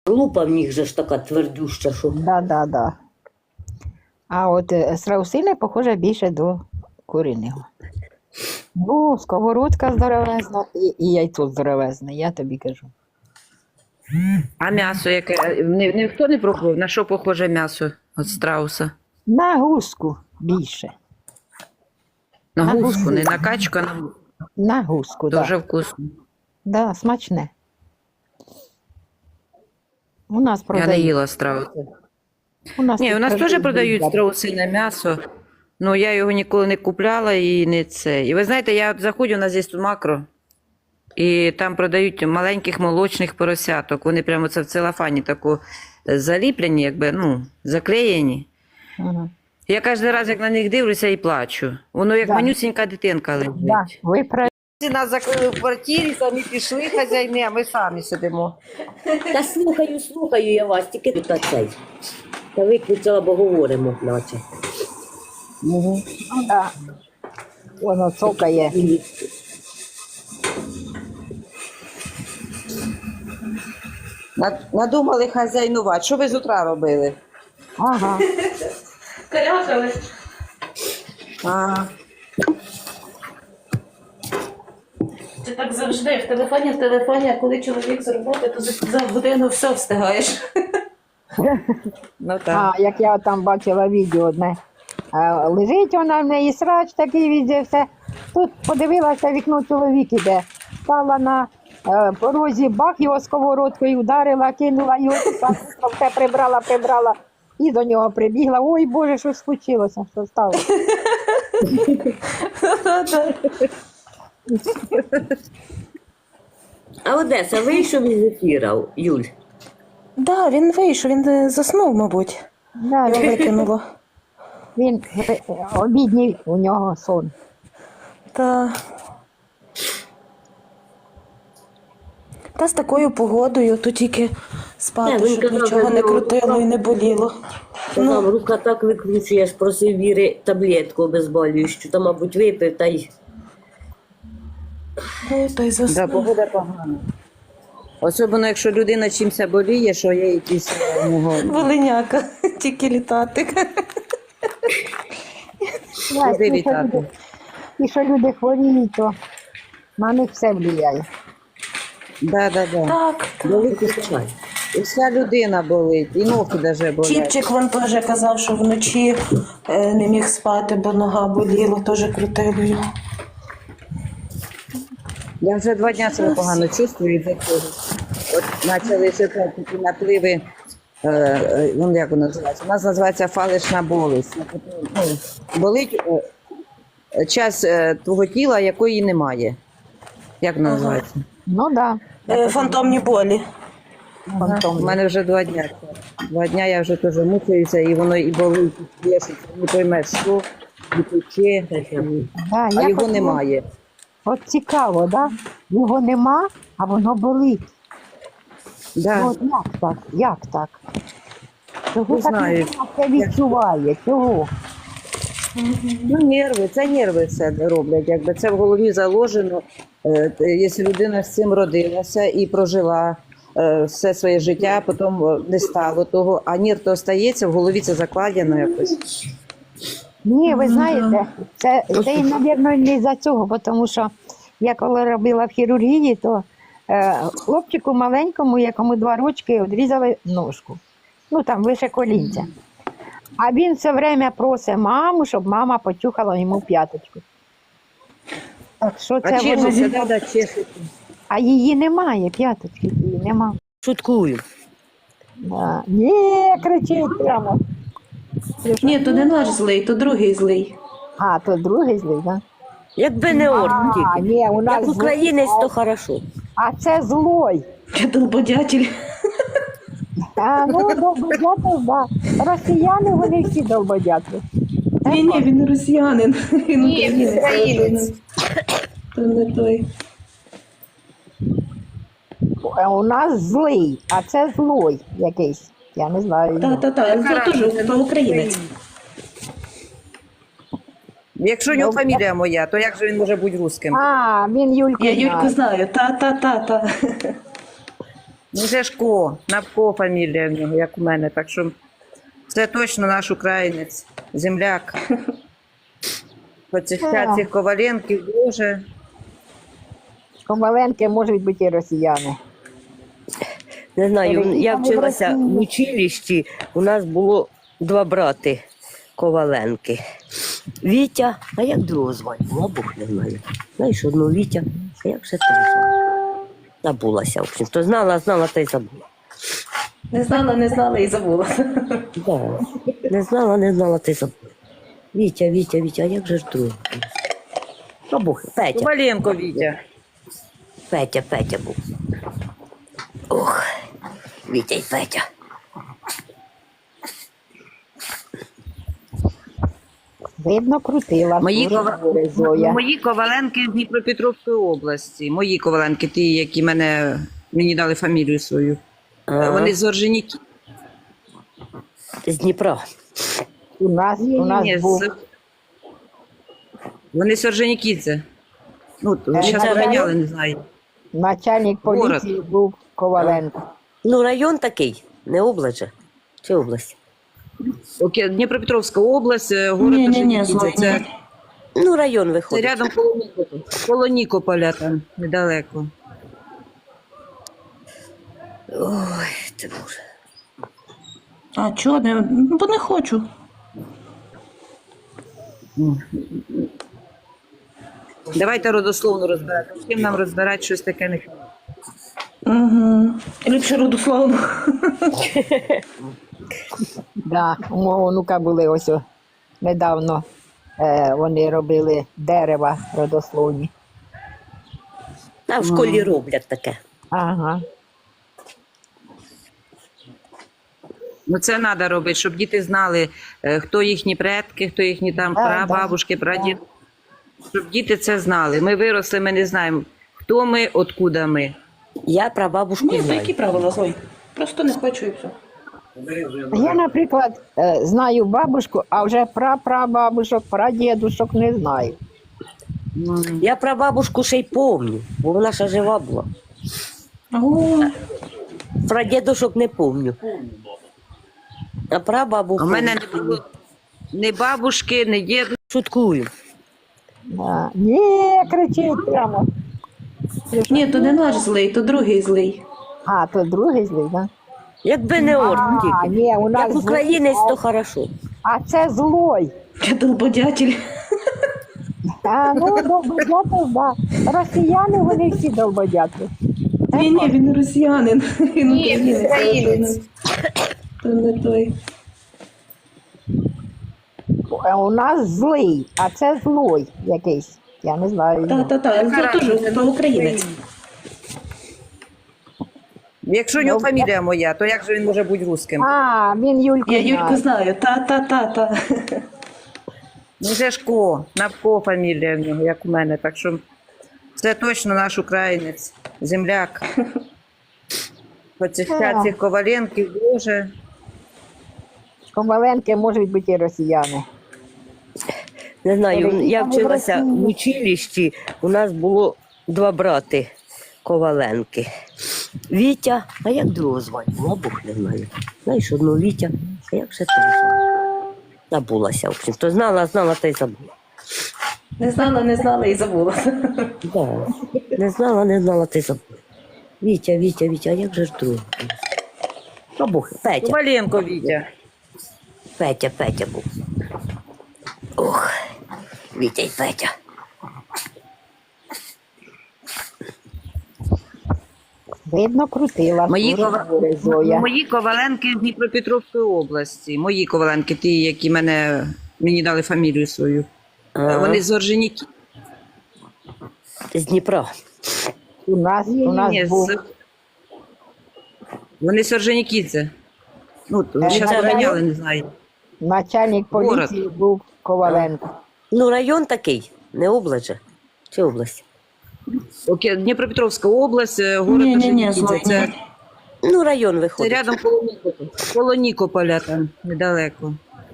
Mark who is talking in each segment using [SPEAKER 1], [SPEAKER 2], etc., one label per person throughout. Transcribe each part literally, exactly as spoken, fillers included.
[SPEAKER 1] Лупа в них же ж така твердюща, що.
[SPEAKER 2] Да, да, да. А от е, страусине, похоже, більше до куриного. Ну, сковородка здоровезна і, і яйцо здоровезне, я тобі кажу.
[SPEAKER 3] А м'ясо яке? Ні- Ніхто не пробував? На що похоже м'ясо від страуса?
[SPEAKER 2] На гуску більше.
[SPEAKER 3] На
[SPEAKER 2] На
[SPEAKER 3] гуску,
[SPEAKER 2] гуску.
[SPEAKER 3] не на качку, а на гуску.
[SPEAKER 2] На гуску, так.
[SPEAKER 3] Дуже
[SPEAKER 2] Да.
[SPEAKER 3] вкусно.
[SPEAKER 2] Да, смачне. У нас
[SPEAKER 3] Я не
[SPEAKER 2] продають.
[SPEAKER 3] їла страуса.
[SPEAKER 2] У нас,
[SPEAKER 3] Ні,
[SPEAKER 2] тут
[SPEAKER 3] у нас теж
[SPEAKER 2] продають
[SPEAKER 3] продають
[SPEAKER 2] бургери.
[SPEAKER 3] страусине м'ясо, але я його ніколи не купляла і не це. І ви знаєте, я от заходжу, у нас є тут макро, і там продають маленьких молочних поросяток. Вони прямо це в целофані таку заліплені, якби, ну, заклеєні.
[SPEAKER 2] Ага.
[SPEAKER 3] Я кожен раз, як на них дивлюся, і плачу. Воно як
[SPEAKER 2] Да.
[SPEAKER 3] манюсінька дитинка лежить.
[SPEAKER 2] Да, ви праві.
[SPEAKER 3] Нас закрили в квартирі, самі пішли хазяїни, а ми самі сидимо.
[SPEAKER 1] Та слухаю, слухаю я вас, тільки та цей. Та виключила, бо говоримо, наче.
[SPEAKER 2] Ну, да. Воно цокає.
[SPEAKER 3] Надумали хазяйнувати. Що ви з утра робили?
[SPEAKER 2] Ага.
[SPEAKER 4] Каляхали.
[SPEAKER 3] Ага.
[SPEAKER 4] Це так завжди. В телефоні, в телефоні, а коли чоловік з роботи, то за, за годину все встигаєш.
[SPEAKER 3] Ну так.
[SPEAKER 2] А, як я там бачила відео одне. А, лежить вона в неї срач такий відео, все. Тут подивилася вікно, чоловік іде. Стала на е, порозі, бах, його сковородкою ударила, кинула його, так, все прибрала, прибрала. І до нього прибігла. Ой, Боже, що случилося, що сталося?
[SPEAKER 1] А Одеса вийшов із ефіра, Юль?
[SPEAKER 4] Да, він вийшов, він е, заснув, мабуть.
[SPEAKER 2] Да,
[SPEAKER 4] Його
[SPEAKER 2] він,
[SPEAKER 4] викинуло.
[SPEAKER 2] він е, обідній у нього сон.
[SPEAKER 4] Та... Та з такою погодою, то тільки спати,
[SPEAKER 1] Не, він
[SPEAKER 4] щоб
[SPEAKER 1] казав,
[SPEAKER 4] нічого не
[SPEAKER 1] що
[SPEAKER 4] крутило і не боліло.
[SPEAKER 1] Казав, рука так викручує, я ж просив Віри таблетку обезболюючу, та, мабуть, випив, та й...
[SPEAKER 4] Ну, та й
[SPEAKER 3] Да,
[SPEAKER 4] заснув.
[SPEAKER 3] погода погана. Особливо, якщо людина чимся боліє, що є якісь у нього.
[SPEAKER 4] Волиняка, тільки літати.
[SPEAKER 2] Да,
[SPEAKER 3] Куди
[SPEAKER 2] і, що
[SPEAKER 3] літати?
[SPEAKER 2] люди, і що люди хворіють, то на них все впливає.
[SPEAKER 3] Да, да, да.
[SPEAKER 4] Так, так.
[SPEAKER 1] Великий чай.
[SPEAKER 3] І вся людина болить, і ноги навіть болять.
[SPEAKER 4] Чіпчик вон теж казав, що вночі е, не міг спати, бо нога боліла, теж крутило його.
[SPEAKER 3] Я вже два дні себе погано чувствую від цього. От почалися такі напливи, е, е, ну, як воно називається? У нас називається фалишна болість. Ну, болить е, час е, твого тіла, якої немає. Як воно
[SPEAKER 4] Ага.
[SPEAKER 3] називається?
[SPEAKER 2] Ну так,
[SPEAKER 4] Е, фантомні болі.
[SPEAKER 2] да,
[SPEAKER 3] У мене вже два дня. Два дня я вже теж мучаюся, і воно і болить, і плешить, не поймеш, що, і пече,
[SPEAKER 2] да,
[SPEAKER 3] а
[SPEAKER 2] я
[SPEAKER 3] його
[SPEAKER 2] хотіла-
[SPEAKER 3] немає.
[SPEAKER 2] От цікаво, да? Його нема, а воно болить.
[SPEAKER 3] Да.
[SPEAKER 2] От як так? Як так? Чого
[SPEAKER 3] Не
[SPEAKER 2] так
[SPEAKER 3] знаю.
[SPEAKER 2] людина це відчуває? Чого?
[SPEAKER 3] Ну, нерви, це нерви все роблять. Якби це в голові заложено. Е, т- Якщо людина з цим родилася і прожила е, все своє життя, потім е, не стало того, а нерв то остається, в голові це закладено якось.
[SPEAKER 2] Ні, ви знаєте, це, це і, мабуть, не за цього, бо тому що я коли робила в хірургії, то е, хлопчику маленькому, якому два рочки, відрізали ножку. Ну, там вище колінця. А він все время просить маму, щоб мама почухала йому п'яточку. Так що
[SPEAKER 3] А
[SPEAKER 2] це
[SPEAKER 3] чешеться,
[SPEAKER 2] воно...
[SPEAKER 3] да, да, чешеться.
[SPEAKER 2] А її немає, п'яточки її нема.
[SPEAKER 1] Шуткую.
[SPEAKER 2] Да. Ні, кричить прямо.
[SPEAKER 4] Ні, то не наш злий, то другий злий.
[SPEAKER 2] А, то другий злий, так?
[SPEAKER 1] Якби не орк
[SPEAKER 2] А,
[SPEAKER 1] тільки.
[SPEAKER 2] ні, у нас
[SPEAKER 1] Як українець, то хорошо.
[SPEAKER 2] А це злой.
[SPEAKER 4] Я долбодятель.
[SPEAKER 2] А, ну, долбодяти, да. Росіяни, вони всі долбодяти.
[SPEAKER 4] Ні, ні, він не росіянин. Він
[SPEAKER 3] Ні, він українець.
[SPEAKER 4] То не той.
[SPEAKER 2] Е, У нас злий, а це злой якийсь. Я не знаю.
[SPEAKER 4] Та, та, та, це теж то українець.
[SPEAKER 3] Якщо у нього фамілія моя, то як же він може бути русским?
[SPEAKER 2] А, він Юльку
[SPEAKER 4] Я Юльку
[SPEAKER 2] знає.
[SPEAKER 4] знаю. Та, та, та, та.
[SPEAKER 3] Міжешко, Навко фамілія в нього, як у мене. Так що це точно наш українець, земляк. Хоча цих Коваленків дуже.
[SPEAKER 2] Коваленки можуть бути і росіяни.
[SPEAKER 1] Не знаю,
[SPEAKER 2] Переїхали
[SPEAKER 1] я
[SPEAKER 2] в
[SPEAKER 1] вчилася
[SPEAKER 2] Росію.
[SPEAKER 1] в училищі, у нас було два брати Коваленки. Вітя, а як другого звати? Була Бог не знаю. Знаєш, одну Вітя, а як ще того звати? Забулася, в общем. То знала, знала, та й забула.
[SPEAKER 4] Не знала, не знала і забула.
[SPEAKER 1] Да. Не знала, не знала, та й забула. Вітя, Вітя, Вітя, а як же ж другого? А Бог, Петя,
[SPEAKER 3] Коваленко Вітя.
[SPEAKER 1] Петя, Петя був. Ох, Вітя й Петя.
[SPEAKER 2] Видно, крутила.
[SPEAKER 3] Мої,
[SPEAKER 2] дуже
[SPEAKER 3] Кова-
[SPEAKER 2] добре, Зоя.
[SPEAKER 3] мої Коваленки з Дніпропетровської області. Мої Коваленки, ті, які мене, мені дали фамілію свою.
[SPEAKER 1] Ага.
[SPEAKER 3] Вони з Орженіки.
[SPEAKER 1] З Дніпра.
[SPEAKER 2] У нас, у нас
[SPEAKER 3] Ні,
[SPEAKER 2] був
[SPEAKER 3] з... Вони з Орженікідзе. Ну,
[SPEAKER 2] Е,
[SPEAKER 3] зараз
[SPEAKER 2] Наталя?
[SPEAKER 3] поміняли, не знаю.
[SPEAKER 2] начальник
[SPEAKER 3] Город.
[SPEAKER 2] поліції, був Коваленко.
[SPEAKER 1] Ну, район такий, не область же. Чи область?
[SPEAKER 3] Окей, Дніпропетровська область, е, город
[SPEAKER 4] Ні-ні-ні,
[SPEAKER 3] Орженікідзе. Це,
[SPEAKER 1] Ну, район
[SPEAKER 3] це
[SPEAKER 1] виходить.
[SPEAKER 3] рядом коло Нікополя. Коло Нікополя там, недалеко.
[SPEAKER 1] Ой, ти боже.
[SPEAKER 4] А чого не? Ну, бо не хочу.
[SPEAKER 3] Давайте родословно розбирати. З ким нам розбирати щось таке не
[SPEAKER 4] Угу. Ліпше родословно.
[SPEAKER 2] Да, у мого онука були ось о, недавно. Е, вони робили дерева родословні.
[SPEAKER 1] А в школі роблять таке.
[SPEAKER 2] Ага.
[SPEAKER 3] Ну, це треба робити, щоб діти знали, е, хто їхні предки, хто їхні там
[SPEAKER 2] Да,
[SPEAKER 3] прабабушки, прадід. Щоб діти це знали. Ми виросли, ми не знаємо, хто ми, откуда ми.
[SPEAKER 1] Я про бабушку
[SPEAKER 4] Ні, то
[SPEAKER 1] знаю.
[SPEAKER 4] які правила Зой? Просто не хочу і все.
[SPEAKER 2] Я, наприклад, е, знаю бабушку, а вже прапрабабушок, прадідушок не знаю.
[SPEAKER 1] Я про бабушку ще й помню, бо вона ще жива була.
[SPEAKER 4] О,
[SPEAKER 1] Про дідушок не помню. А про бабу
[SPEAKER 3] У мене
[SPEAKER 1] помню.
[SPEAKER 3] не було ні бабушки, ні діду.
[SPEAKER 1] Шуткую.
[SPEAKER 2] Да. Ні, кричить прямо.
[SPEAKER 4] ні, то не наш злий, то другий злий.
[SPEAKER 2] А, то другий злий, так?
[SPEAKER 1] Якби не орк
[SPEAKER 2] А,
[SPEAKER 1] тільки.
[SPEAKER 2] ні, у нас
[SPEAKER 1] Як українець, то хорошо.
[SPEAKER 2] А це злой.
[SPEAKER 4] Я долбодятель.
[SPEAKER 2] А, ну, долбодяти, да. Росіяни, вони всі долбодяти.
[SPEAKER 4] Ні, ні, він росіянин. Він
[SPEAKER 3] Ні, українець.
[SPEAKER 4] То не той.
[SPEAKER 2] Е, У нас злий, а це злой якийсь. Я не знаю.
[SPEAKER 4] Та-та-та, це теж то українець.
[SPEAKER 3] Якщо у нього фамілія моя, то як же він може бути русским?
[SPEAKER 2] А, він Юльку
[SPEAKER 4] Я Юльку
[SPEAKER 2] знає.
[SPEAKER 4] знаю. Та-та-та-та.
[SPEAKER 3] Міжешко, Навко фамілія в нього, як у мене. Так що це точно наш українець, земляк. Хоча цих Коваленків дуже.
[SPEAKER 2] Коваленки можуть бути і росіяни.
[SPEAKER 1] Не знаю, я
[SPEAKER 2] Переїхали в
[SPEAKER 1] вчилася
[SPEAKER 2] Росію.
[SPEAKER 1] в училищі, у нас було два брати Коваленки. Вітя, а як другого звати? Була Бог не знаю. Знаєш, одну Вітя, а як ще того звати? Забулася, в общем. То знала, знала, та й забула.
[SPEAKER 4] Не знала, не знала і забула.
[SPEAKER 1] Да. Не знала, не знала, та й забула. Вітя, Вітя, Вітя, а як же ж другого? А Бог, Петя,
[SPEAKER 3] Коваленко Вітя.
[SPEAKER 1] Петя, Петя був. Ох, Вітя й Петя.
[SPEAKER 2] Видно, крутила.
[SPEAKER 3] Мої,
[SPEAKER 2] дуже
[SPEAKER 3] Кова-
[SPEAKER 2] добре, Зоя.
[SPEAKER 3] Мої Коваленки з Дніпропетровської області. Мої Коваленки, ті, які мене, мені дали фамілію свою.
[SPEAKER 1] Ага.
[SPEAKER 3] Вони з Орженіки.
[SPEAKER 1] З Дніпра.
[SPEAKER 2] У нас, у нас
[SPEAKER 3] Ні,
[SPEAKER 2] був
[SPEAKER 3] з... Вони з Орженікідзе. Ну, зараз
[SPEAKER 2] Наталя?
[SPEAKER 3] поміняли, не знаю.
[SPEAKER 2] начальник
[SPEAKER 3] Город.
[SPEAKER 2] поліції, був Коваленко.
[SPEAKER 1] Ну, район такий, не область же. Чи область?
[SPEAKER 3] Окей, Дніпропетровська область, е, город
[SPEAKER 4] Ні-ні-ні,
[SPEAKER 3] Орженікідзе.
[SPEAKER 4] Зой,
[SPEAKER 3] Це,
[SPEAKER 4] ні.
[SPEAKER 1] Ну, район
[SPEAKER 3] це
[SPEAKER 1] виходить.
[SPEAKER 3] рядом коло Нікополя. Коло Нікополя там, недалеко.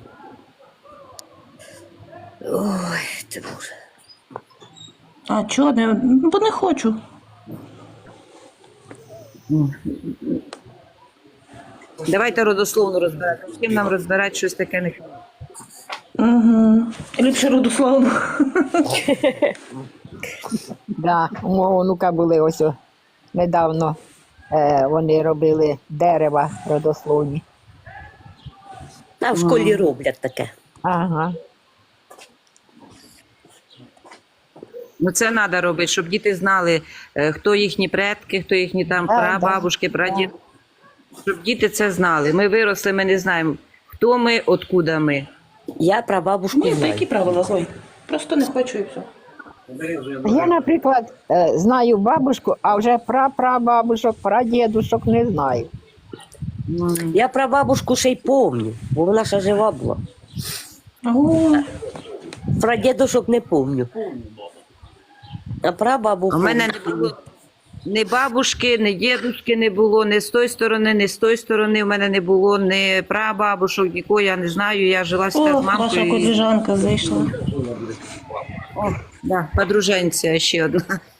[SPEAKER 1] Ой, ти боже.
[SPEAKER 4] А чого не? Бо не хочу.
[SPEAKER 3] Давайте родословно розбирати. З ким нам розбирати щось таке не
[SPEAKER 4] Угу. Ліпше родословно.
[SPEAKER 2] Да, у мого онука були ось о, недавно, е, вони робили дерева родословні.
[SPEAKER 1] А в школі роблять таке.
[SPEAKER 2] Ага.
[SPEAKER 3] Ну це треба робити, щоб діти знали, е, хто їхні предки, хто їхні там
[SPEAKER 2] Да,
[SPEAKER 3] прабабушки, прадіди. Щоб діти це знали. Ми виросли, ми не знаємо, хто ми, откуда ми.
[SPEAKER 1] Я прабабушку
[SPEAKER 4] Ні, то
[SPEAKER 1] знаю.
[SPEAKER 4] які правила, Зой? Просто не хочу і все.
[SPEAKER 2] Я, наприклад, е, знаю бабушку, а вже прапрабабушок, прадідушок не знаю.
[SPEAKER 1] Я прабабушку ще й помню, бо вона ще жива була.
[SPEAKER 4] О,
[SPEAKER 1] Про дідушок не помню. А прабабу
[SPEAKER 3] У мене не було ні бабушки, ні дідушки не було, ні з тої сторони, ні з тої сторони. У мене не було ні прабабушок, нікого, я не знаю. Я жила
[SPEAKER 4] О,
[SPEAKER 3] з
[SPEAKER 4] ваша
[SPEAKER 3] мамкою. і-
[SPEAKER 4] коліжанка зайшла.
[SPEAKER 3] О, да, подруженця ще одна.